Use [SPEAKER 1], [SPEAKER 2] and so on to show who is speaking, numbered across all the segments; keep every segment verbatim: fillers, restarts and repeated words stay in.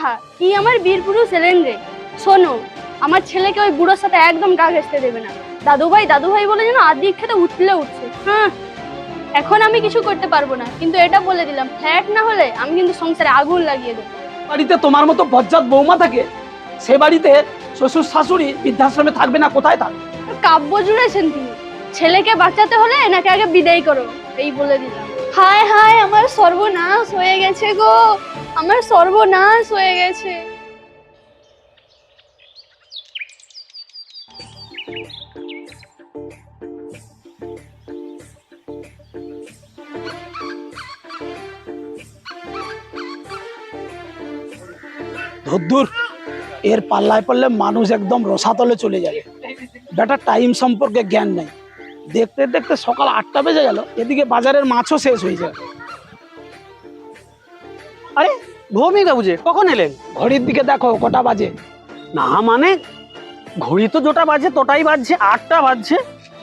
[SPEAKER 1] আহা কি আমার বীর পুরুষ এলেন রে। শোনো, আমার ছেলেকে ওই বুড়োর সাথে একদম গা ঘেঁষতে দেবে না। দাদু ভাই দাদু ভাই বলে যেন আদি খেতে উঠলে উঠছে। হ্যাঁ, এখন আমি কিছু করতে পারবো না, কিন্তু এটা বলে দিলাম, ফ্ল্যাট না হলে আমি কিন্তু সংসারে আগুন লাগিয়ে দেবো।
[SPEAKER 2] বাড়িতে তোমার মতো বজ্জাত বৌমা থাকে, সে বাড়িতে শ্বশুর শাশুড়ি বৃদ্ধাশ্রমে থাকবে না, কোথায় থাকবে?
[SPEAKER 1] কাব্য জুড়েছেন তিনি। ছেলেকে বাঁচাতে হলে এনাকে আগে বিদায় করো, এই বলে দিলাম। হায় হায়, আমার সর্বনাশ হয়ে গেছে গো, আমার সর্বনাশ হয়ে গেছে।
[SPEAKER 2] ধুর, এর পাল্লায় পড়লে মানুষ একদম রসাতলে চলে যাবে। বেটা টাইম সম্পর্কে জ্ঞান নেই, দেখতে দেখতে সকাল আটটা বেজে গেল, এদিকে বাজারের মাছও শেষ হয়ে যায়।
[SPEAKER 3] আরে ভৌমিক বাবু যে কখন এলেন?
[SPEAKER 2] ঘড়ির দিকে দেখো কটা বাজে।
[SPEAKER 3] না মানে ঘড়ি তো যেটা বাজে তোটাই বাজছে, আটটা বাজছে।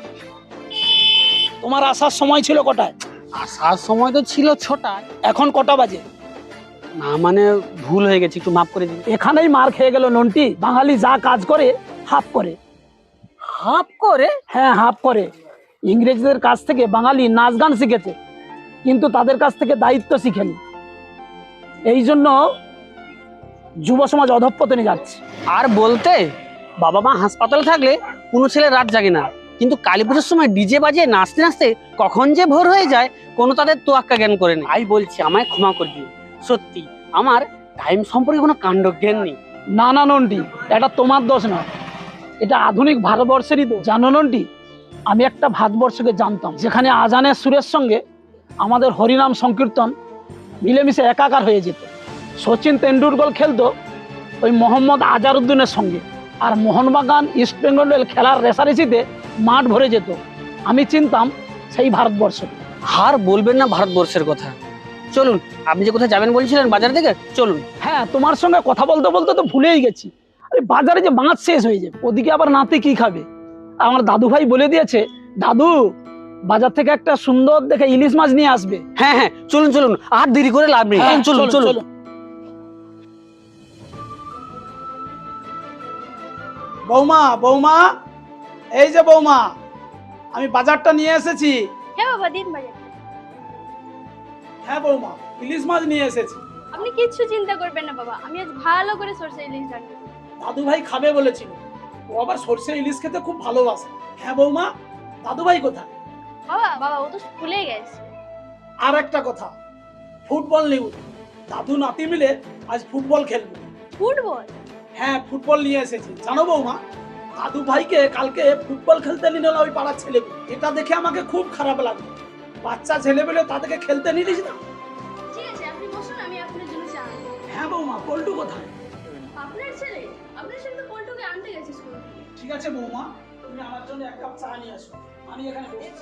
[SPEAKER 2] তোমার আসার সময় ছিল কটায়?
[SPEAKER 3] আসার সময় তো ছিল ছটায়।
[SPEAKER 2] এখন কটা বাজে?
[SPEAKER 3] না মানে ভুল হয়ে গেছে, একটু মাফ করে দিন।
[SPEAKER 2] এখানেই মার খেয়ে গেল নন্টি। বাঙালি যা কাজ করে হাফ করে।
[SPEAKER 3] হাফ করে?
[SPEAKER 2] হ্যাঁ, হাফ করে। ইংরেজদের কাছ থেকে বাঙালি নাচ গান শিখেছে, কিন্তু তাদের কাছ থেকে দায়িত্ব শিখেনি। এই জন্য যুব সমাজ অধঃপতনে যাচ্ছে।
[SPEAKER 3] আর বলতে বাবা মা হাসপাতালে থাকলে কোনো ছেলে রাত জাগে না, কিন্তু কালী পুজোর সময় ডিজে বাজিয়ে নাচতে নাচতে কখন যে ভোর হয়ে যায় কোনো তাদের তোয়াক্কা জ্ঞান করে নেই। আই বলছি আমায় ক্ষমা করে দিন, সত্যি আমার টাইম সম্পর্কে কোনো কাণ্ড জ্ঞান নেই।
[SPEAKER 2] না না নন্টি, এটা তোমার দোষ না, এটা আধুনিক ভারতবর্ষেরই দোষ। জানো নন্টি, আমি একটা ভারতবর্ষকে জানতাম যেখানে আজানের সুরের সঙ্গে আমাদের হরিনাম সংকীর্তন মিলেমিশে একাকার হয়ে যেত। সচিন তেন্ডুলকর খেলতো ওই মোহাম্মদ আজারউদ্দিনের সঙ্গে, আর মোহনবাগান ইস্ট বেঙ্গলের খেলার রেসারেসিতে মাঠ ভরে যেত। আমি চিনতাম সেই ভারতবর্ষ।
[SPEAKER 3] আর বলবেন না ভারতবর্ষের কথা। চলুন, আপনি যে কোথায় যাবেন বলছিলেন বাজার থেকে, চলুন।
[SPEAKER 2] হ্যাঁ, তোমার সঙ্গে কথা বলতে বলতে তো ভুলেই গেছি। আরে বাজারে যে মাছ শেষ হয়ে যাবে, ওদিকে আবার নাতি কি খাবে? আমার দাদু ভাই বলে দিয়েছে, দাদু বাজার থেকে একটা সুন্দর দেখে ইলিশ মাছ নিয়ে আসবে।
[SPEAKER 3] হ্যাঁ হ্যাঁ, চলুন চলুন, আর দেরি করে লাভ নেই।
[SPEAKER 2] হ্যাঁ,
[SPEAKER 3] চলুন চলুন।
[SPEAKER 2] বৌমা, বৌমা, এই যে বৌমা, আমি বাজারটা নিয়ে এসেছি।
[SPEAKER 1] হ্যাঁ বাবা, দিন বাজার।
[SPEAKER 2] হ্যাঁ বৌমা, ইলিশ মাছ নিয়ে এসেছি।
[SPEAKER 1] আপনি কিচ্ছু চিন্তা করবেন না বাবা, আমি আজ ভালো করে সরষে ইলিশ রান্না করব।
[SPEAKER 2] দাদু ভাই খাবে বলেছিল, ও আবার সরষে ইলিশ খেতে খুব ভালোবাসে। হ্যাঁ বৌমা, দাদু ভাই কোথায়?
[SPEAKER 1] বাবা বাবা ও তো স্কুলে গেছে।
[SPEAKER 2] আর একটা কথা, ফুটবল নিউজ, দাদু নাতি মিলে আজ ফুটবল খেলবে।
[SPEAKER 1] ফুটবল?
[SPEAKER 2] হ্যাঁ, ফুটবল নিয়ে এসেছি। জানো বৌমা, দাদু ভাইকে কালকে ফুটবল খেলতে নিল না ওই পাড়ার ছেলে। এটা দেখে আমাকে খুব খারাপ লাগলো। বাচ্চা ছেলে পেলে তাদেরকে খেলতে নিলিস না।
[SPEAKER 1] ঠিক আছে, আপনি বসুন, আমি আপনার জন্য চা আনবো।
[SPEAKER 2] হ্যাঁ বৌমা, পল্টু কোথায়?
[SPEAKER 1] আপনার ছেলে? আপনার ছেলে তো পল্টুকে আনতে গেছে স্কুল থেকে।
[SPEAKER 2] ঠিক আছে বৌমা, তুমি আমার জন্য এক কাপ চা নিয়ে আসো, আমি এখানে বসেছি।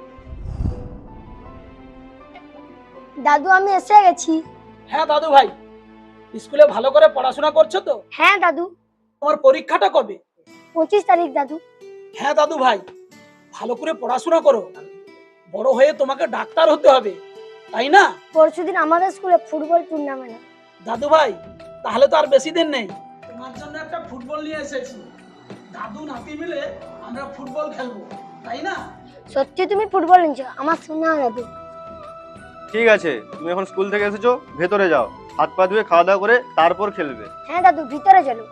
[SPEAKER 4] দাদু আমি এসে গেছি।
[SPEAKER 2] হ্যাঁ দাদু ভাই, স্কুলে ভালো করে পড়াশোনা করছো তো?
[SPEAKER 4] হ্যাঁ দাদু।
[SPEAKER 2] তোমার পরীক্ষাটা কবে?
[SPEAKER 4] পঁচিশ তারিখ দাদু।
[SPEAKER 2] হ্যাঁ দাদু ভাই, ভালো করে পড়াশোনা করো, বড় হয়ে তোমাকে ডাক্তার হতে হবে, তাই না?
[SPEAKER 4] পরশুদিন আমাদের স্কুলে ফুটবল টুর্নামেন্ট।
[SPEAKER 2] দাদু ভাই, তাহলে তো আর বেশি দিন নেই। তোমার জন্য একটা ফুটবল নিয়ে এসেছি। দাদু নাতি মিলে আমরা ফুটবল খেলবো, তাই না?
[SPEAKER 4] সত্যি তুমি ফুটবল নিচ্ছ? আমার শোনা দাদু।
[SPEAKER 5] ঠিক আছে, তুমি এখন স্কুল থেকে এসেছো, ভেতরে যাও, হাত পা ধুয়ে খাওয়া দাওয়া করে তারপর খেলবে।
[SPEAKER 4] হ্যাঁ দাদু, ভিতরে চলো।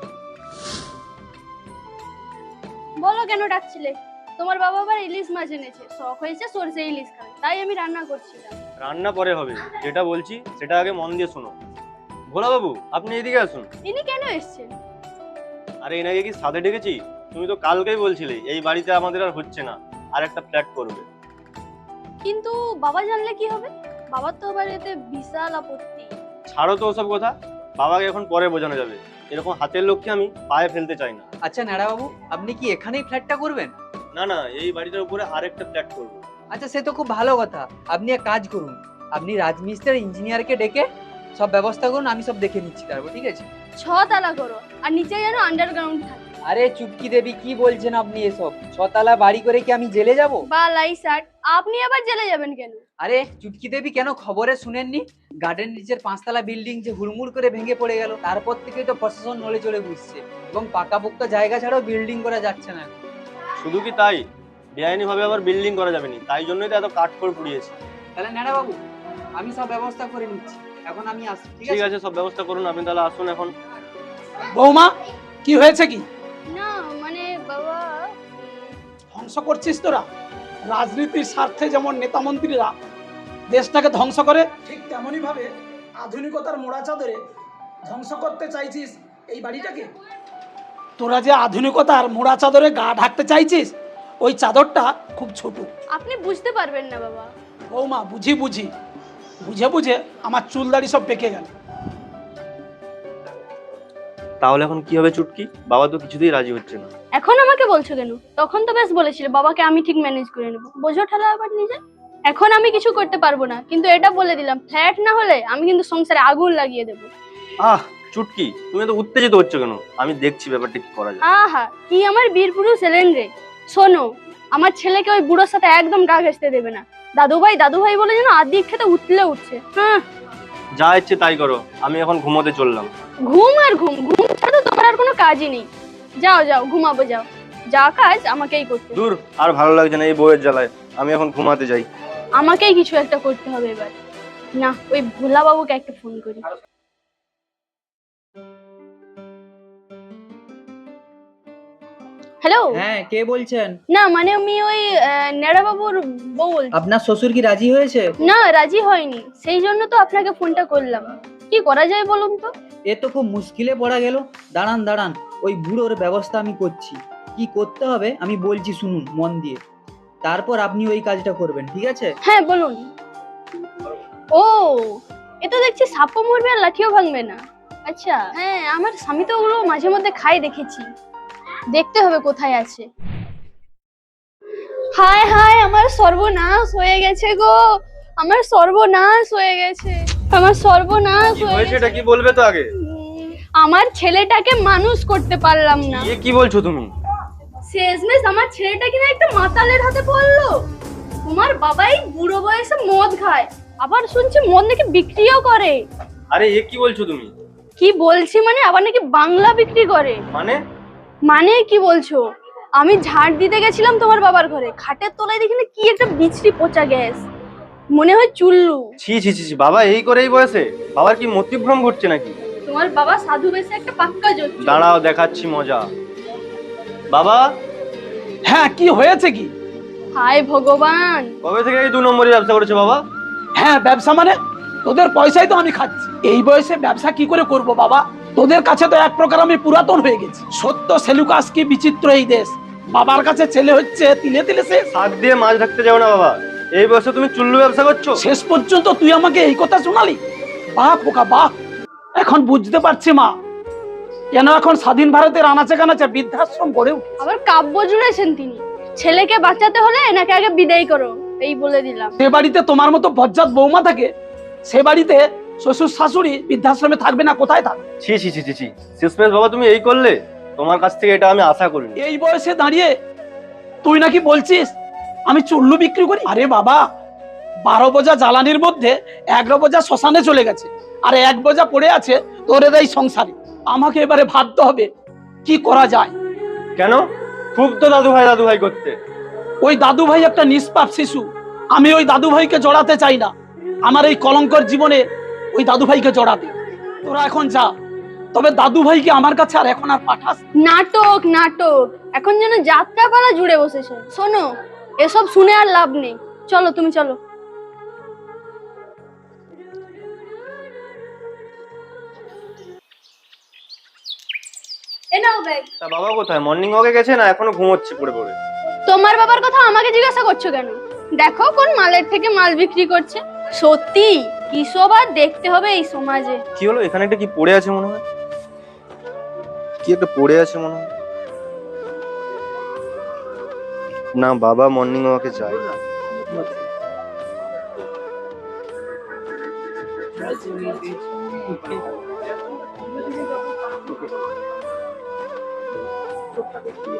[SPEAKER 1] বলো কেন ডাকছিলে? তোমার বাবা আবার ইলিশ মাছ এনেছে, শখ হয়েছে সরষে ইলিশ খাবে, তাই আমি রান্না করছিলাম।
[SPEAKER 5] রান্না পরে হবে, যেটা বলছি সেটা আগে মন দিয়ে শোনো। ভোলা বাবু, আপনি এদিকে আসুন।
[SPEAKER 1] ইনি কেন এসেছেন?
[SPEAKER 5] আরে এনাকে কি সাথে ডেকেছি? তুমি তো কালকেই বলছিলে এই বাড়িতে আমাদের আর হচ্ছে না, আর একটা ফ্ল্যাট করবে।
[SPEAKER 1] কিন্তু বাবা জানলে কি হবে? বাবার তো আবার এতে বিশাল আপত্তি।
[SPEAKER 5] ছাড়ো তো ওসব কথা, বাবাকে এখন পরে বোঝানো যাবে। এরকম হাতের লক্ষ্যে আমি পায়ে ফেলতে চাই না।
[SPEAKER 6] আচ্ছা নাড়া বাবু, আপনি কি এখানেই ফ্ল্যাটটা করবেন?
[SPEAKER 5] না না, এই বাড়িটার উপরে আরেকটা ফ্ল্যাট করবো।
[SPEAKER 6] আচ্ছা সে তো খুব ভালো কথা। আপনি এক কাজ করুন, আপনি রাজমিস্ত্রি ইঞ্জিনিয়ারকে ডেকে সব ব্যবস্থা করুন, আমি সব দেখে নিচ্ছি তারপর। ঠিক আছে?
[SPEAKER 1] ছ তালা করো, আর নিচে যেন আন্ডারগ্রাউন্ড থাকে।
[SPEAKER 6] আরে চুটকি দেবী, কি বলছেন আপনি এসব? ছতলা বাড়ি করে কি আমি জেলে যাব?
[SPEAKER 1] বালাই স্যার, আপনি আবার জেলে যাবেন কেন?
[SPEAKER 6] আরে চুটকি দেবী, কেন খবরে শুনেননি? গার্ডেন নিচের পাঁচতলা বিল্ডিং যে হুড়মুড় করে ভেঙে পড়ে গেল, তারপর থেকেই তো প্রশাসন নড়ে চড়ে বুঝছে এবং পাকাপোক্ত জায়গা ছাড়াও বিল্ডিং করা যাচ্ছে না।
[SPEAKER 5] শুধু কি তাই, বেআইনি ভাবে আবার বিল্ডিং করা যাবে না, তাই জন্যই তো এত কাঠখড় পুড়িয়েছে।
[SPEAKER 6] তাহলে ন্যাড়া বাবু, আমি সব ব্যবস্থা করে নিচ্ছি, এখন আমি আসছি, ঠিক
[SPEAKER 5] ঠিক
[SPEAKER 6] আছে?
[SPEAKER 5] আছে, সব ব্যবস্থা করুন, আপনি তাহলে আসুন এখন।
[SPEAKER 2] বৌমা, কি হয়েছে কি?
[SPEAKER 1] না মানে বাবা,
[SPEAKER 2] ধ্বংস করছিস তোরা? রাজনীতির স্বার্থে যেমন নেতা মন্ত্রীরা দেশটাকে ধ্বংস করে, ঠিক তেমনই ভাবে আধুনিকতার মোড়া চাদরে ধ্বংস করতে চাইছিস এই বাড়িটাকে। তোরা যে আধুনিকতার মোড়া চাদরে গা ঢাকতে চাইছিস, ওই চাদরটা খুব ছোট।
[SPEAKER 1] আপনি বুঝতে পারবেন না বাবা।
[SPEAKER 2] বৌমা, বুঝি বুঝি বুঝে বুঝে আমার চুল দাড়ি সব পেকে গেল।
[SPEAKER 5] তাহলে এখন কি হবে চুটকি? বাবা তো কিছুতেই রাজি হচ্ছে না।
[SPEAKER 1] এখন আমাকে বলছো কেন? তখন তো বেশ বলেছিলে বাবাকে আমি ঠিক ম্যানেজ করে নেবো। বোঝো ঠেলা আবার নিজে। এখন আমি কিছু করতে পারবো না, কিন্তু এটা বলে দিলাম, ফ্ল্যাট না হলে আমি কিন্তু সংসারে আগুন লাগিয়ে দেবো।
[SPEAKER 5] আহ চুটকি, তুমি তো উত্তেজিত হচ্ছ কেন? আমি দেখছি ব্যাপারটা কি করা যায়।
[SPEAKER 1] আহা, কি আমার বীর পুরুষ এলেন রে। শোনো, আমার ছেলেকে ওই বুড়োর সাথে একদম গা ঘেঁষতে দেবে না। দাদু ভাই দাদু ভাই বলে যেন আদিক খেতে উঠলে উঠছে। হ্যাঁ,
[SPEAKER 5] যা ইচ্ছে তাই করো, আমি এখন ঘুমোতে চললাম।
[SPEAKER 1] ঘুম আর ঘুম, ঘুম ছাড়া তো তোমার আর কোনো কাজই নেই। যাও যাও, ঘুমাবো যাও, যা কাজ আমাকেই করতে হবে।
[SPEAKER 5] দূর, আর ভালো লাগছে না এই বউয়ের জ্বালায়, আমি এখন ঘুমাতে যাই।
[SPEAKER 1] আমাকেই কিছু একটা করতে হবে এবার। না, ওই ভোলা বাবুকে একটা ফোন করি। হ্যালো।
[SPEAKER 6] হ্যাঁ, কে বলছেন?
[SPEAKER 1] না মানে আমি ওই নেড়া বাবুর বউ বলছি।
[SPEAKER 6] আপনার শ্বশুর কি রাজি হয়েছে?
[SPEAKER 1] না, রাজি হয়নি, সেই জন্য তো আপনাকে ফোনটা করলাম। কি করা যায় বলুন তো?
[SPEAKER 6] এ তো খুব মুশকিলে পড়া গেল। দাঁড়ান দাঁড়ান, ওই বুড়োর ব্যবস্থা আমি করছি। কি করতে হবে আমি বলছি, শুনুন মন দিয়ে, তারপর আপনি ওই কাজটা করবেন, ঠিক আছে?
[SPEAKER 1] হ্যাঁ বলুন। ও, এ তো দেখছি সাপও মরবে আর লাঠিও ভাঙবে না। আচ্ছা হ্যাঁ, আমার স্বামী তো ওগুলো মাঝে মধ্যে খাই দেখেছি। দেখতে হবে কোথায় আছে। হায় হায়, আমার সর্বনাশ হয়ে গেছে গো, আমার সর্বনাশ হয়ে গেছে, আমার সর্বনাশ
[SPEAKER 5] কি
[SPEAKER 1] হয়ে
[SPEAKER 5] হয়েছে,
[SPEAKER 1] গেছে।
[SPEAKER 5] এটা কি বলবে তো আগে?
[SPEAKER 1] আমার ছেলেটাকে মানুষ করতে পারলাম না।
[SPEAKER 5] এ কি বলছো তুমি?
[SPEAKER 1] শেষমেশ আমার ছেলেটা কিনা একটা মাতালের হাতে পড়লো। তোমার বাবাই বুড়ো বয়সে মদ খায়, আবার শুনছি মদ নাকি বিক্রিও করে।
[SPEAKER 5] আরে এ কি বলছো তুমি?
[SPEAKER 1] কি বলছি মানে, আবার নাকি বাংলা বিক্রি করে।
[SPEAKER 5] মানে?
[SPEAKER 1] মানে কি বলছো? আমি ঝাড় দিতে গেছিলাম তোমার বাবার ঘরে, খাটের তলায় দেখি না কি একটা বিছড়ি পচা গ্যাস, মনে হয় চুল্লু।
[SPEAKER 5] ছি ছি ছি ছি, বাবা এই করে এই বয়সে? বাবার কি মতিভ্রম ঘটছে নাকি?
[SPEAKER 1] তোমার বাবা সাধু বেশে একটা পাক্কা জোচ্চ।
[SPEAKER 5] দাঁড়াও, দেখাচ্ছি মজা। বাবা,
[SPEAKER 2] হ্যাঁ, কি হয়েছে কি?
[SPEAKER 1] হায় ভগবান,
[SPEAKER 5] কবে থেকে এই দু নম্বরের ব্যবসা করেছো বাবা?
[SPEAKER 2] হ্যাঁ, ব্যবসা মানে তোদের পয়সাই তো আমি খাচ্ছি। এই বয়সে ব্যবসা কি করে করব বাবা? তোদের কাছে তো এক প্রকার আমি পুরাতন হয়ে গেছি। সত্য সেলুকাস, কি বিচিত্র এই দেশ। বাবার কাছে ছেলে হচ্ছে তিলে তিলে শেষ।
[SPEAKER 5] শাক দিয়ে মাছ ঢাকতে যাও না বাবা, এই বয়সে তুমি চুল্লু ব্যবসা করছো?
[SPEAKER 2] শেষ পর্যন্ত তুই আমাকে এই কথা শোনালি? বাহ পোকা বাহ, এখন বুঝতে পারছি মা, কেন এখন স্বাধীন ভারতের আনাচে কানাচে বৃদ্ধাশ্রম গড়ে উঠে।
[SPEAKER 1] আবার কাব্য জুড়েছেন তিনি। ছেলেকে বাঁচাতে হলে এনাকে আগে বিদায় করো, এই বলে দিলাম।
[SPEAKER 2] যে বাড়িতে তোমার মতো বজ্জাত বৌমা থাকে, সে বাড়িতে শ্বশুর শাশুড়ি বৃদ্ধাশ্রমে থাকবে না, কোথায় থাকবে?
[SPEAKER 5] ছি ছি ছি ছি ছি, শেষমেশ বাবা তুমি এই করলে? তোমার কাছ থেকে এটা আমি আশা করিনি।
[SPEAKER 2] এই বয়সে দাঁড়িয়ে তুই নাকি বলছিস আমি চুল্লু বিক্রি করি? আরে বাবা, বারো বোঝা জ্বালানির মধ্যে এগারো বোঝা শ্মশানে চলে গেছে, আর এক বোঝা পড়ে আছে তোর এই সংসারে। আমাকে এবারে ভাবতে হবে কি করা যায়।
[SPEAKER 5] কেন? খুব তো দাদু ভাই দাদু ভাই করতে।
[SPEAKER 2] ওই দাদু ভাই একটা নিষ্পাপ শিশু, আমি ওই দাদু ভাইকে জড়াতে চাই না। আমার এই কলঙ্কর জীবনে ওই দাদু ভাইকে জড়াতে। তোরা এখন যা, তবে দাদু ভাইকে আমার কাছে আর এখন আর পাঠাস।
[SPEAKER 1] নাটক নাটক, এখন যেন যাত্রাপালা জুড়ে বসেছে। শোনো, এসব শুনে আর লাভ নেই, চলো তুমি চলো। এ নাও ব্যাগ।
[SPEAKER 5] তা বাবা কোথায়? মর্নিং ওয়াকে গেছে না এখনো ঘুমোচ্ছে পড়ে পড়ে?
[SPEAKER 1] তোমার বাবার কথা আমাকে জিজ্ঞাসা করছো কেন? দেখো কোন মালের থেকে মাল বিক্রি করছে। সত্যি কি সব আর দেখতে হবে এই সমাজে।
[SPEAKER 5] কি হলো, এখানে একটা কি পড়ে আছে মনে হয়? কি একটা পড়ে আছে মনে হয়। না, বাবা মর্নিং ওয়াকে যায় না।
[SPEAKER 2] চোখটা দেখতে।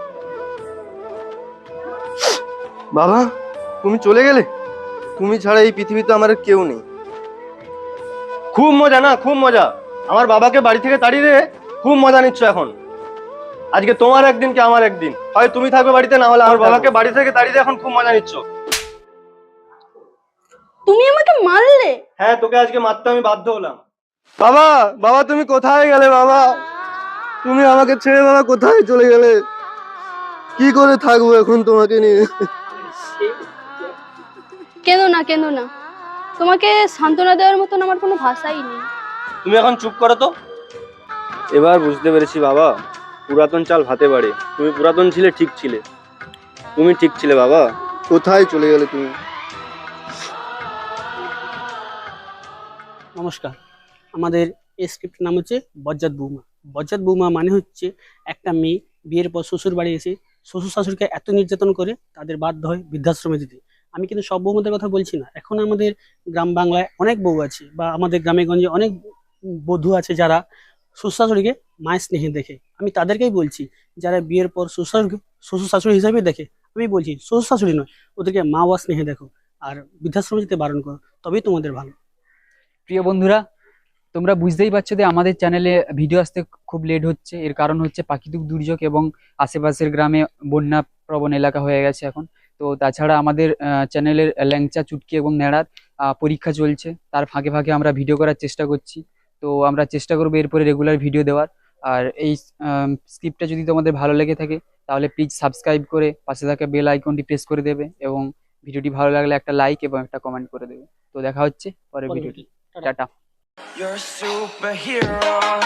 [SPEAKER 5] বাবা তুমি চলে গেলে, তুমি ছাড়া এই পৃথিবীতে আমার আর কেউ নেই। খুব মজা না, খুব মজা। আমার বাবাকে বাড়ি থেকে তাড়িয়ে দিয়ে খুব মজা নিচ্ছ এখন। আজকে তোমার একদিন কি আমার একদিন, হয় তুমি থাকবে বাড়িতে, না হলে আমার বাবাকে বাড়ি থেকে তাড়িয়ে দিয়ে এখন খুব মজা নিচ্ছ।
[SPEAKER 1] তুমি আমাকে মারলে?
[SPEAKER 5] হ্যাঁ, তোকে আজকে মারতে আমি বাধ্য হলাম। বাবা, বাবা তুমি কোথায় গেলে? বাবা তুমি আমাকে ছেড়ে বাবা কোথায় চলে গেলে? কি করে থাকবো এখন তোমাকে নিয়ে?
[SPEAKER 1] কেঁদো না, কেঁদো না। তোমাকে সান্ত্বনা দেওয়ার মতন আমার কোনো ভাষাই নেই।
[SPEAKER 5] তুমি এখন চুপ করো তো। এবার বুঝতে পেরেছি বাবা, পুরাতন চাল ভাতে বাড়ে। তুমি পুরাতন ছিলে, ঠিক ছিলে, তুমি ঠিক ছিলে বাবা। কোথায় চলে গেলে তুমি?
[SPEAKER 3] নমস্কার, আমাদের এই স্ক্রিপ্টের নাম হচ্ছে বজ্জাত বৌমা। বজ্জাত বৌমা মানে হচ্ছে একটা মেয়ে বিয়ের পর শ্বশুর বাড়ি এসে শ্বশুর শাশুড়িকে এত নির্যাতন করে তাদের বাধ্য হয় বৃদ্ধাশ্রমে দিতে। আমি কিন্তু সব বৌমাদের কথা বলছি না, এখন আমাদের গ্রাম বাংলায় অনেক বউ আছে, বা আমাদের গ্রামে গঞ্জে অনেক বধূ আছে যারা শ্বশুর শাশুড়িকে মায়ের স্নেহে দেখে। আমি তাদেরকেই বলছি, যারা বিয়ের পর শ্বশুর শাশুড়িকে শ্বশুর শাশুড়ি হিসাবে দেখে, আমি বলছি শ্বশুর শাশুড়ি নয়, ওদেরকে মা বা স্নেহে দেখো, আর বৃদ্ধাশ্রমে যেতে বারণ করো, তবেই তোমাদের ভালো।
[SPEAKER 6] প্রিয় বন্ধুরা, তোমরা বুঝতেই পারছো যে আমাদের চ্যানেলে ভিডিও আসতে খুব লেট হচ্ছে। এর কারণ হচ্ছে প্রাকৃতিক দুর্যোগ এবং আশেপাশের গ্রামে বন্যা প্রবণ এলাকা হয়ে গেছে এখন। তো তাছাড়া আমাদের চ্যানেলের ল্যাংচা, চুটকি এবং ন্যাড়ার আহ, পরীক্ষা চলছে, তার ফাঁকে ফাঁকে আমরা ভিডিও করার চেষ্টা করছি। তো আমরা চেষ্টা করবো এরপরে রেগুলার ভিডিও দেওয়ার। আর এই স্ক্রিপ্টটা যদি তোমাদের ভালো লেগে থাকে তাহলে প্লিজ সাবস্ক্রাইব করে পাশে থাকা বেল আইকনটি প্রেস করে দেবে, এবং ভিডিওটি ভালো লাগলে একটা লাইক এবং একটা কমেন্ট করে দেবে। তো দেখা হচ্ছে পরের ভিডিওটি। টাটা।
[SPEAKER 7] You're a superhero.